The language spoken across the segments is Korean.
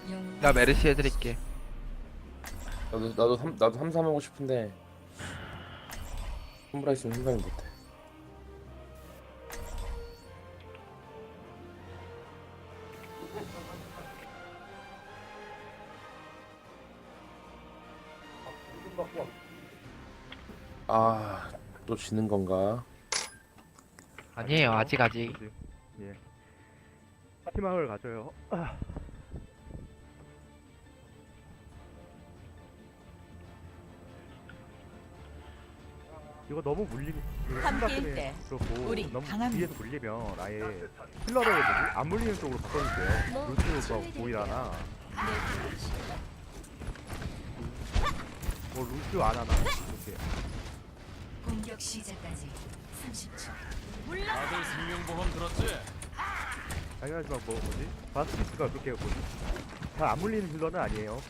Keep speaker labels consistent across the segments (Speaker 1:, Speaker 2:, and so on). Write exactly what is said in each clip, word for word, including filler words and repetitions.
Speaker 1: 나 메르시 해드릴게.
Speaker 2: 나도 나도 삼 나도 삼삼 하고 싶은데 홈브라 있으면 생각이 못해. 아, 또 지는 건가?
Speaker 1: 아니에요, 아직 아직.
Speaker 3: 예. 희망을 가져요. 아. 이거 너무 물리
Speaker 4: 함께일 때
Speaker 3: 그렇고
Speaker 4: 우리
Speaker 3: 너무
Speaker 4: 강합니다.
Speaker 3: 뒤에서 물리면 아예 힐러를 뭐지? 안 물리는 쪽으로 바꿔줄게요. 루트 뭐 보이라나 뭐 루트 안 하나 이렇게.
Speaker 4: 공격 시작까지 삼십 초.
Speaker 5: 다들 생명보험 들었지?
Speaker 3: 당연하지만 뭐 뭐지? 바스티스가 그렇게 뭐지? 잘 안 물리는 힐러는 아니에요.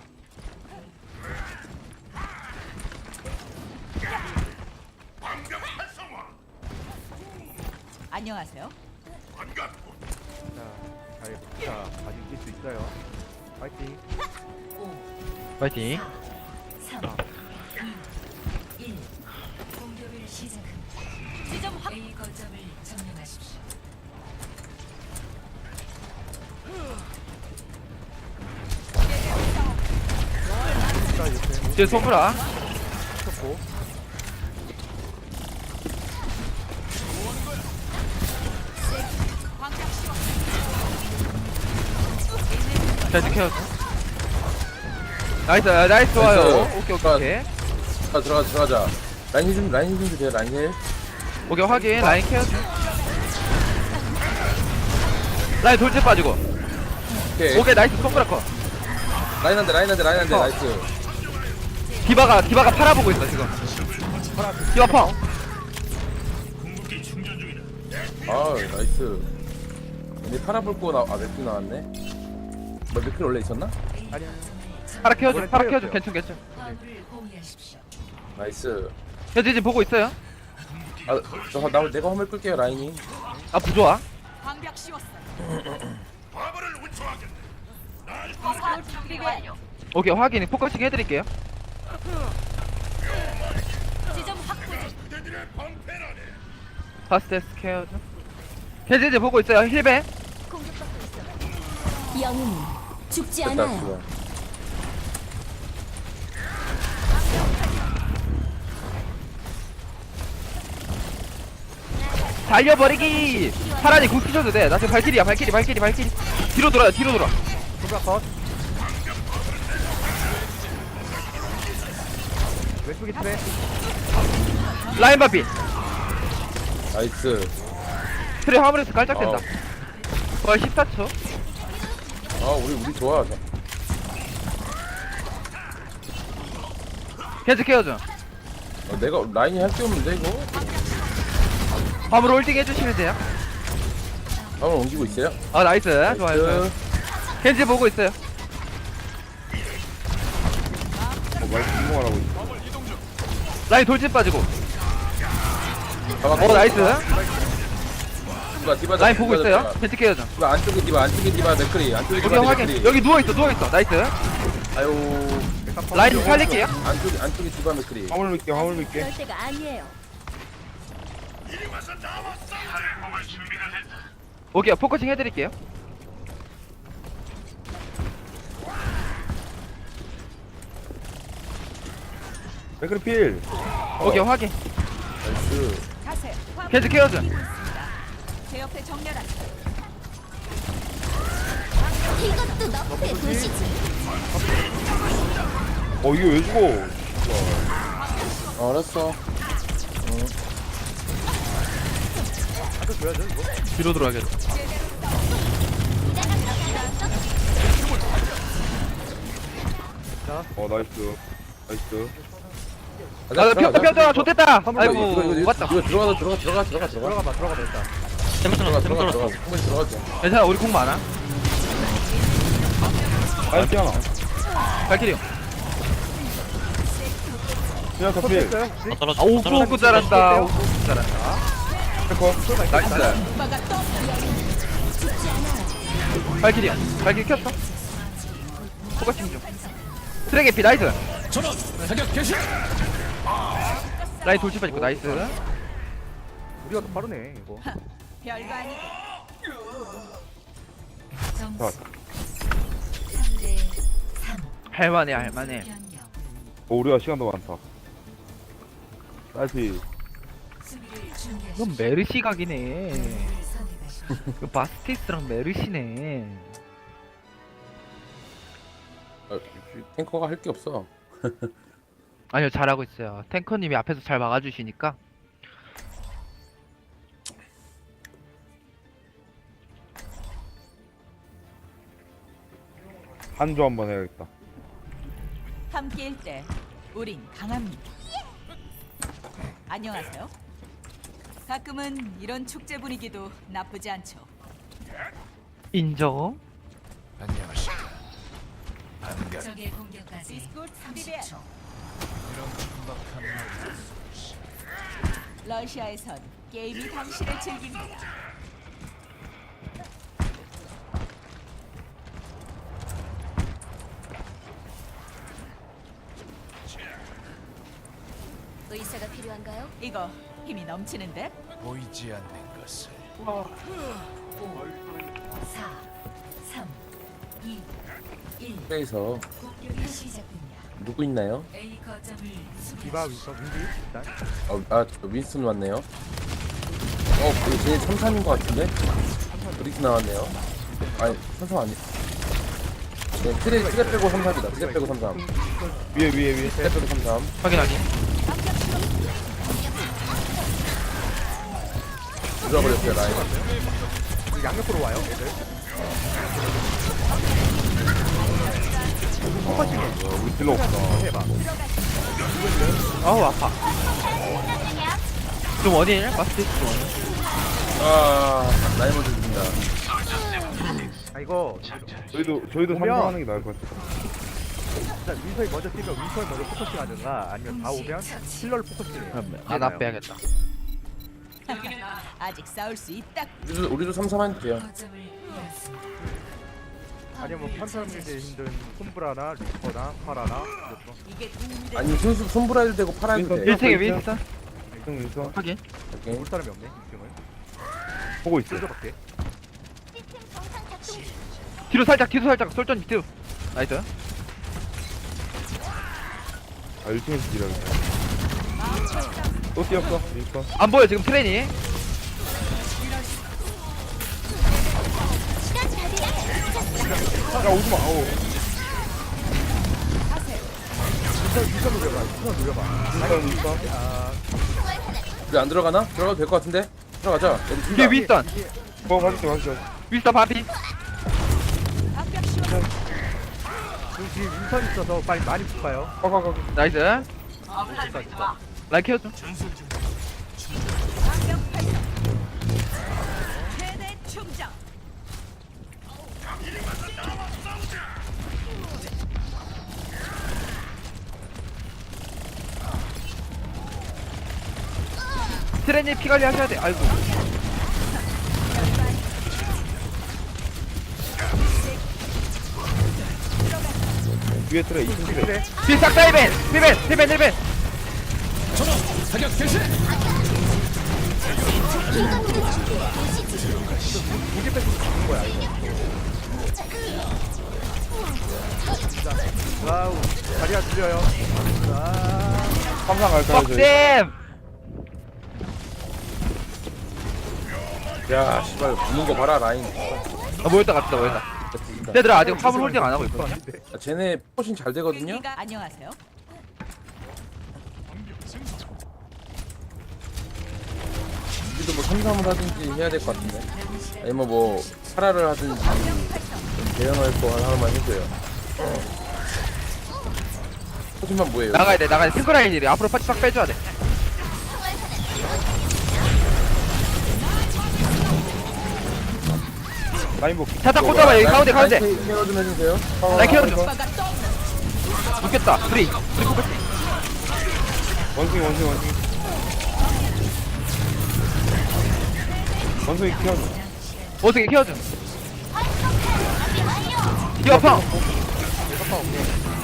Speaker 4: 안녕하세요.
Speaker 3: 자, 잘, 자, 아직 이길 수 있어요. 파이팅.
Speaker 4: 오,
Speaker 1: 파이팅.
Speaker 4: 삼, 이, 일. 공격을 시작합니다. 지점 확. A 거점을 점령하십시오.
Speaker 3: 자, 옆에
Speaker 1: 뒤에 소브라.
Speaker 3: 쳤고.
Speaker 1: 잘 지켜줘. 나이스, 아, 나이스 좋아요.
Speaker 2: 나이스.
Speaker 1: 오케이, 오케이, 오케이.
Speaker 2: 자, 들어가 들어가자. 라인 좀 라인 좀 주세요. 라인 힐.
Speaker 1: 오케이, 확인. 라인 케어. 라인 돌진 빠지고.
Speaker 2: 오케이.
Speaker 1: 오케이, 나이스 소브라 컷.
Speaker 2: 라인 한대 라인 한대 라인 한대
Speaker 1: 어.
Speaker 2: 나이스.
Speaker 1: 디바가, 디바가 팔아보고 있어, 지금. 디바 펑.
Speaker 2: 아 나이스. 근데 파라볼 거 나, 아 맥주 나왔네. 뭐 맥주 원래 있었나?
Speaker 3: 아니야.
Speaker 1: 파라 케어줘,
Speaker 3: 원래
Speaker 1: 파라 케어줘.
Speaker 3: 케어였어요.
Speaker 1: 괜찮, 괜찮.
Speaker 4: 화물을 호위하십시오.
Speaker 2: 나이스.
Speaker 1: 현재 지금 보고 있어요.
Speaker 2: 아, 저, 나 내가 화물 끌게요 라인이.
Speaker 1: 아, 부좋아.
Speaker 4: 방벽 씌웠어요.
Speaker 1: 오케이, 확인. 포커싱 해드릴게요.
Speaker 4: 지점 확보 중.
Speaker 1: 파스테스 케어줘. 현재 이제 보고 있어요. 힐베.
Speaker 4: 공격받고 있어. 영웅 죽지
Speaker 2: 됐다
Speaker 4: 않아요.
Speaker 2: 좋아.
Speaker 1: 달려버리기. 파란이 굿 키셔도 돼. 나 지금 발길이야, 발길이, 발길이, 발길이. 뒤로 돌아요, 뒤로 돌아.
Speaker 3: 손가 컷. 왼쪽에 트레.
Speaker 1: 라인 바비.
Speaker 2: 나이스.
Speaker 1: 트레 화물에서 깔짝댄다.
Speaker 2: 어.
Speaker 1: 거의 십사 초.
Speaker 2: 아 우리 우리 좋아.
Speaker 1: 계속 케어줘.
Speaker 2: 어, 내가 라인이 할 게 없는데 이거.
Speaker 1: 화물 홀딩 해주시면 돼요.
Speaker 2: 한번 옮기고 있어요.
Speaker 1: 아, 나이스. 좋아요, 좋아요. 켄지 보고 있어요.
Speaker 2: 어, 말 궁금하라고 있어.
Speaker 1: 라인 돌진 빠지고.
Speaker 2: 잡았고.
Speaker 1: 어, 나이스.
Speaker 2: 디바 디바
Speaker 1: 라인 보고 있어요. 켄지 케어줘.
Speaker 2: 디바 안쪽에 디바 안쪽에 디바 맥크리 안쪽에 디바
Speaker 1: 오케이, 확인.
Speaker 2: 맥크리.
Speaker 1: 여기 누워있어, 누워있어. 나이스.
Speaker 2: 아유.
Speaker 1: 라인 좀 살릴게요.
Speaker 2: 안쪽에 안쪽에 디바 맥크리.
Speaker 6: 화물 밀게 화물 밀게
Speaker 4: 그럴 때가 아니에요.
Speaker 1: 오케이, 포커싱 해드릴게요.
Speaker 6: 맥크리 필
Speaker 1: 오케이, 확인.
Speaker 2: 나이스.
Speaker 4: 가세요.
Speaker 1: 켄지 케어줘.
Speaker 4: 제 옆에 정렬하세요.
Speaker 7: 이것도 너프의 도시지.
Speaker 6: 어 이게 왜 죽어
Speaker 2: 어, 알았어.
Speaker 3: 한대 줘야죠 이거.
Speaker 1: 뒤로 돌아가겠다.
Speaker 6: 어 나이스 나이스
Speaker 1: 아, 펴, 펴, 좋됐다.
Speaker 2: 이거,
Speaker 1: 아이고,
Speaker 2: 이거, 이거,
Speaker 1: 맞다.
Speaker 2: 이거 들어가서 들어가 들어가 들어가 들어가.
Speaker 3: 들어가봐 들어가봐 일단.
Speaker 2: 들어가 들어가 들어가. 한번 들어가자.
Speaker 1: 괜찮아, 우리 공 많아.
Speaker 6: 나이스 하나
Speaker 1: 발키리.
Speaker 6: 그냥 다 필
Speaker 3: 됐어요?
Speaker 1: 아, 오구 오구 잘한다. 오구 오구 잘한다. 나이스.
Speaker 4: 오빠가 또
Speaker 1: 발키리. 발키리 켰어. 포커싱 좀 트랙 에피 나이스.
Speaker 5: 전원 사격 개시.
Speaker 1: 라인 돌출 빠지고 나이스.
Speaker 3: 우리가 더 빠르네 이거.
Speaker 4: 별거 아니고.
Speaker 6: 자,
Speaker 1: 할만해 할만해.
Speaker 6: 어, 우리가 시간 더 많다. 다시.
Speaker 1: 이건 메르시 각이네. 이거 바스티스랑 메르시네.
Speaker 2: 아, 탱커가 할 게 없어.
Speaker 1: 아니요 잘하고 있어요. 탱커님이 앞에서 잘 막아주시니까.
Speaker 6: 한조 한번 해야겠다.
Speaker 4: 함께일 때 우린 강합니다. 안녕하세요. 가끔은 이런 축제 분위기도 나쁘지 않죠.
Speaker 1: 인정.
Speaker 5: 안녕하십니까. 반갑.
Speaker 4: 적의 공격까지 디스코트 삼십 초.
Speaker 5: 이런 큼박한 날.
Speaker 4: 러시아에선 게임이 당신을 즐깁니다.
Speaker 7: 의사가 필요한가요?
Speaker 4: 이거 힘이 넘치는데?
Speaker 5: 보이지 않는 것을.
Speaker 4: 사, 삼, 이, 일.
Speaker 2: 트레이서
Speaker 4: 공격이 시작됩니다.
Speaker 2: 누구 있나요?
Speaker 4: A 거점을
Speaker 3: 디바 윈서 윈디 일단.
Speaker 2: 어, 아, 저 윈스턴 왔네요. 어, 그 쟤네 삼삼인 것 같은데? 브리스 나왔네요. 아니, 삼삼 아니. 네, 트레, 트레 빼고 삼삼이다. 트레 빼고 삼삼.
Speaker 6: 위에, 위에, 위에.
Speaker 2: 트레 빼고 삼삼.
Speaker 1: 확인 확인.
Speaker 2: 들어버렸어요, 라인.
Speaker 3: 우리 양옆으로 와요 애들. 포커싱해.
Speaker 6: 어, 우리 딜러 없다.
Speaker 3: 해봐.
Speaker 1: 아우 아파. 좀 원일 바스티스 좀 원일.
Speaker 2: 아, 라인 먼저 죽인다.
Speaker 3: 아 이거
Speaker 6: 저희도, 저희도
Speaker 3: 오면-
Speaker 6: 삼성하는 게 나을 것 같아.
Speaker 3: 일단 윈서이 먼저 뛰면 윈서이 먼저 포커싱 하든가 아니면 다 오면 힐러를 포커싱해.
Speaker 1: 아나 빼야겠다.
Speaker 4: 아직 싸울 수 있다.
Speaker 2: 우리도, 우리도 삼삼 하면 돼요.
Speaker 3: 아니면 뭐 판사람들이 힘든 솜브라나 리퍼나 파라나 이렇게.
Speaker 4: 이게 도움이 돼.
Speaker 2: 아니, 손수, 손브라이도 되고 팔아도 돼.
Speaker 6: 윈스턴.
Speaker 1: 일 층에 윈스턴.
Speaker 6: 윈스턴, 윈스턴.
Speaker 1: 확인.
Speaker 2: 오케이.
Speaker 3: 올 사람이 없네 지금은.
Speaker 6: 보고 있어.
Speaker 3: 쏠져볼게.
Speaker 7: 시스템 정상 작동 중.
Speaker 1: 뒤로 살짝 뒤로 살짝 솔전 밑으로. 나이스.
Speaker 6: 아, 일 층에서 딜하겠다. 또 뛰었어, 윈스턴.
Speaker 1: 안 보여 지금 트레인이.
Speaker 6: 야, 오지마, 아우.
Speaker 3: 윈서 윈서 누려봐. 윈서 누려봐.
Speaker 6: 윈스턴, 윈스턴.
Speaker 3: 아
Speaker 2: 우리 안 들어가나? 들어가도 될 것 같은데? 들어가자. 여기 둘
Speaker 1: 뒤에
Speaker 2: 다.
Speaker 1: 윈스턴.
Speaker 6: 어, 가줄게, 가줄게.
Speaker 1: 윈스턴 바비.
Speaker 3: 지금 뒤에 윈선 있어서 빨리 많이 붙어요.
Speaker 6: 가, 가, 가.
Speaker 1: 나이스. 라인 케어 좀.
Speaker 4: 최대 충전.
Speaker 1: 트레인이 피 관리 하셔야 돼. 아이고.
Speaker 6: 위에 트레, 이 층 트레.
Speaker 1: 뒤에 싹다 이벤. 힐벤 힐벤 힐벤.
Speaker 5: 전원 사격 개시.
Speaker 3: 무게 빼고 죽는 거야 이거. 와우 다리가 들려요. 아
Speaker 6: 삼상 갈까요, 저희?
Speaker 1: 뻑쌤.
Speaker 2: 야, 씨발, 붙는 거 봐라, 라인.
Speaker 1: 아 모였다 갔다 모였다.
Speaker 2: 됐습니다.
Speaker 1: 얘들아 아직 화물 홀딩 안 하고 있거든.
Speaker 2: 아, 쟤네 포신 잘 되거든요?
Speaker 4: 여기가 안녕하세요.
Speaker 2: 우리도 뭐 삼삼을 하든지 해야 될 것 같은데. 아니면 뭐, 파라를 하든지, 좀 대응할 거 하나만 해줘요. 포신만 뭐예요?
Speaker 1: 나가야 돼 나가야 돼. 탱커 라인이래. 앞으로 파티 싹 빼줘야 돼.
Speaker 6: 라인 복.
Speaker 1: 자타 꽂아봐 여기 가운데 가운데.
Speaker 2: 라인 케어 좀 해주세요.
Speaker 1: 라인 케어 좀. 죽겠다. 프리.
Speaker 6: 원숭이, 원숭이, 원숭이. 원숭이 키워줘.
Speaker 1: 어떻게 케어 좀. 디바 펑.
Speaker 3: 아빠 오케이.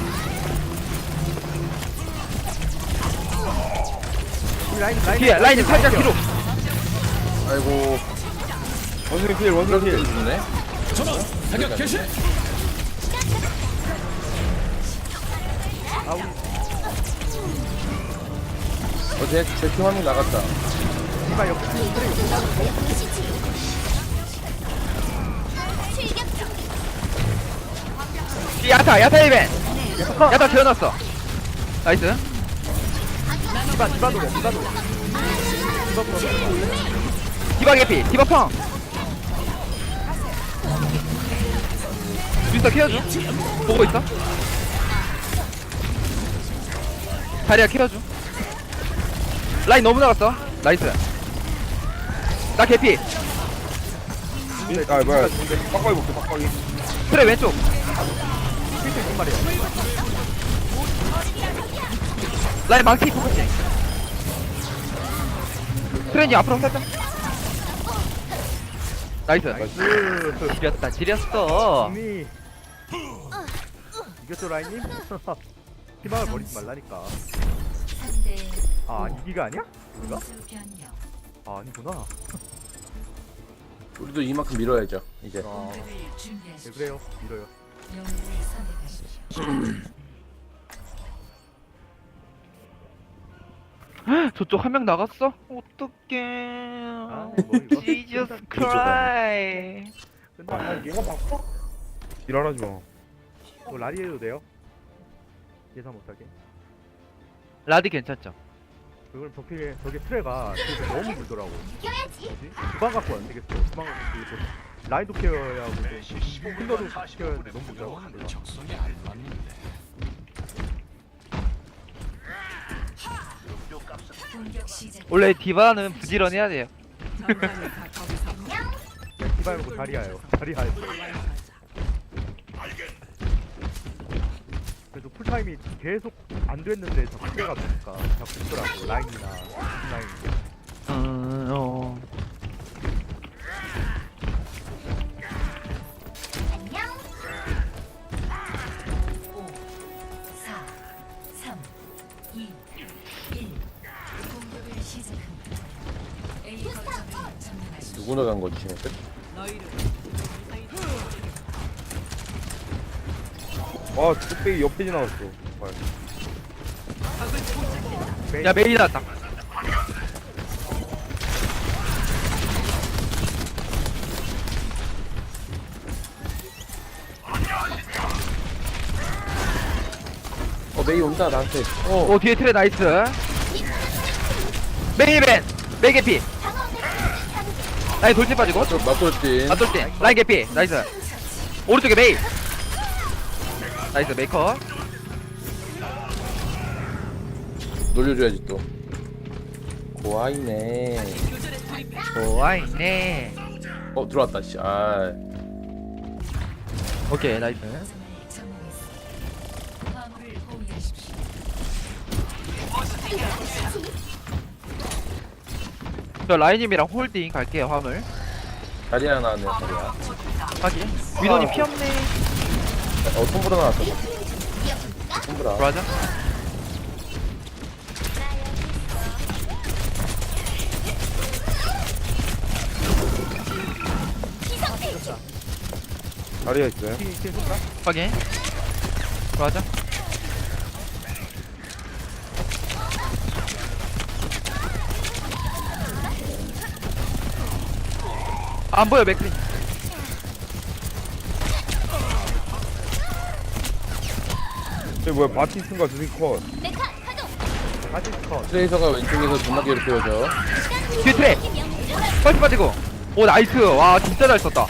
Speaker 3: 우리 라인 라인
Speaker 1: 뒤에 라인이 살짝 뒤로.
Speaker 2: 아이고
Speaker 6: 원숭이 필 원숭이
Speaker 2: 이렇게
Speaker 6: 필
Speaker 2: 죽네.
Speaker 5: 전원 사격 개시.
Speaker 3: 아 우리
Speaker 2: 어제 제팀 한 명 나갔다.
Speaker 3: 디바 옆에 트레 옆에
Speaker 7: 출격 준비.
Speaker 1: 뒤 야타 야타 이벤. 야타 재워놨어. 나이스.
Speaker 3: 디바 디바 노래 디바 노래 디바 노래
Speaker 1: 디바 개피 디바 펑. 윈스터 케어줘. 보고 있어. 다리야 케어줘. 라인 너무 나갔어. 나이스. 나 개피.
Speaker 6: 아 뭐야 빡빡이 볼게 빡빡이
Speaker 1: 그래 왼쪽.
Speaker 3: 필수 있단 말이야.
Speaker 1: 라인 망치 포커싱. 트렌이 앞으로 살짝. 나이스.
Speaker 3: 나이스.
Speaker 1: 지렸다 지렸어.
Speaker 3: 이미 이겼죠 라인님? 희망을 버리지 말라니까. 아 이기가 아니야? 우리가? 아 아니구나.
Speaker 2: 우리도 이만큼 밀어야죠 이제.
Speaker 3: 아 네, 그래요 밀어요.
Speaker 1: 저쪽 한 명 나갔어? 어떡해.
Speaker 3: 아, 뭐 이거?
Speaker 1: Jesus Christ.
Speaker 3: 끝나.
Speaker 6: 얘가 바꿔? 일어나지 마
Speaker 3: 뭐 라리 해도 돼요? 예상 못하게.
Speaker 1: 라디 괜찮죠?
Speaker 3: 그걸 저게 저게 트레가 뒤에서 너무 불더라고.
Speaker 7: 이겨야지.
Speaker 3: 뭐지? 주방 갖고 안 되겠어. 주방 갖고 되겠어. 라인도 케어해야 하고 힐러도 케어해야 하는데 너무 불더라고.
Speaker 5: 하는 적성에 안 맞는데.
Speaker 1: 원래 디바는 부지런해야 돼요.
Speaker 3: 디바 말고 자리야요. 자리야요. 그래도 풀타임이 계속 안 됐는데 자꾸 트레가 되니까 자꾸 죽더라고. 라인이나 라인.
Speaker 1: 음, 어.
Speaker 7: 안녕.
Speaker 2: 누구 나간 거지 지금?
Speaker 6: 아 뚝배기 옆에 지나갔어 아,
Speaker 1: 야 메이 나왔다.
Speaker 2: 어 메이 온다 나한테. 어
Speaker 1: 오 뒤에 트레 나이스. 메이 벤 메이 개피. 라인 돌진 빠지고.
Speaker 2: 저 맞돌진.
Speaker 1: 맞돌진 라인 개피 나이스. 오른쪽에 메이. 나이스 메이커.
Speaker 2: 놀려줘야지 또. 고아이네.
Speaker 1: 좋아있네.
Speaker 2: 어 들어왔다 씨. 아
Speaker 1: 오케이 나이스. 저 라인님이랑 홀딩 갈게요 화물.
Speaker 2: 다리 하나 나왔네 다리야.
Speaker 1: 확인. 위도님 피 없네.
Speaker 2: 어 손보라 나왔어. 손보라.
Speaker 1: 들어가자.
Speaker 6: 다리가 있어요
Speaker 3: 키, 키 손가?
Speaker 1: 확인. 들어가자. 안 보여 맥크리.
Speaker 6: 쟤 뭐야 바티스인가 두개 컷
Speaker 7: 메카 가동.
Speaker 3: 다시 컷.
Speaker 2: 트레이서가 왼쪽에서 존나 괴롭혀줘.
Speaker 1: 뒤에 트레. 펄스 빠지고. 오 나이스. 와 진짜 잘 썼다.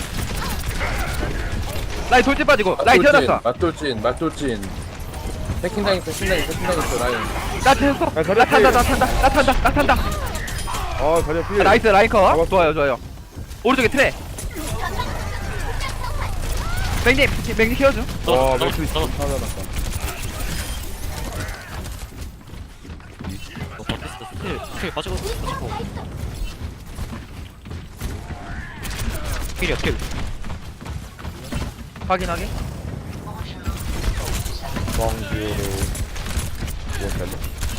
Speaker 1: 라인 돌진 빠지고. 라인 태어났어.
Speaker 2: 맞돌진 맞돌진. 해킹 당했어 해킹 당했어 해킹 당했어 라인.
Speaker 1: 나 태웠어.
Speaker 6: 야, 저리
Speaker 1: 나 탄다
Speaker 6: 앞에.
Speaker 1: 나 탄다 나 탄다 나 탄다.
Speaker 6: 아 다리가 필
Speaker 1: 아, 나이스 라인 컷.
Speaker 6: 잡았어.
Speaker 1: 좋아요 좋아요. 오른쪽에 트레. 맥님 맥님 키워줘.
Speaker 6: 와 맥주 있어 하나 났다
Speaker 1: 필이야 필. 확인하게.
Speaker 6: 멍지로 무엇할래?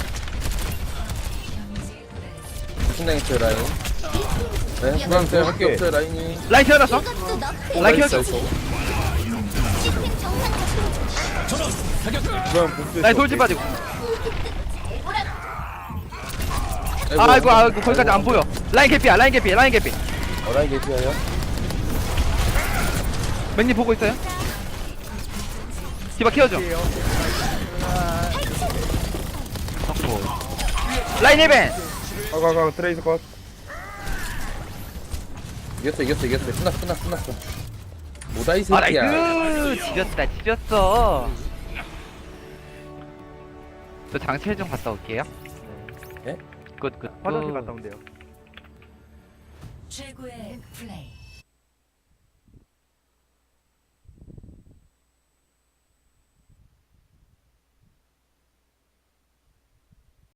Speaker 2: 신당했어요 라인. 네, 신당했어요. 할게 없어요 라인이.
Speaker 1: 라인 태어났어?
Speaker 7: 이것도 너프.
Speaker 1: 라인
Speaker 2: 나이스,
Speaker 1: 키워줘.
Speaker 2: 나이스.
Speaker 7: 시스템 정상 작동 중.
Speaker 6: 그냥 복수.
Speaker 1: 라인 돌진 빠지고.
Speaker 2: 아이고,
Speaker 1: 아이고 아이고 거기까지 안 보여. 라인 개피야 라인 개피 라인 개피.
Speaker 2: 어, 라인 개피하여.
Speaker 1: 맥님 보고 있어요? 디바 키워줘. 라인 힐벤.
Speaker 6: 가가가 트레이서 컷.
Speaker 2: 이겼어 이겼어 이겼어. 끝났어 끝났어 끝났어. 뭐다 이
Speaker 1: 아
Speaker 2: 새끼야.
Speaker 1: 나이스. 지렸다 지렸어. 저 장치를 좀 갔다 올게요.
Speaker 2: 네?
Speaker 1: 굿굿.
Speaker 3: 화장실 갔다 온대요.
Speaker 4: 최고의 플레이.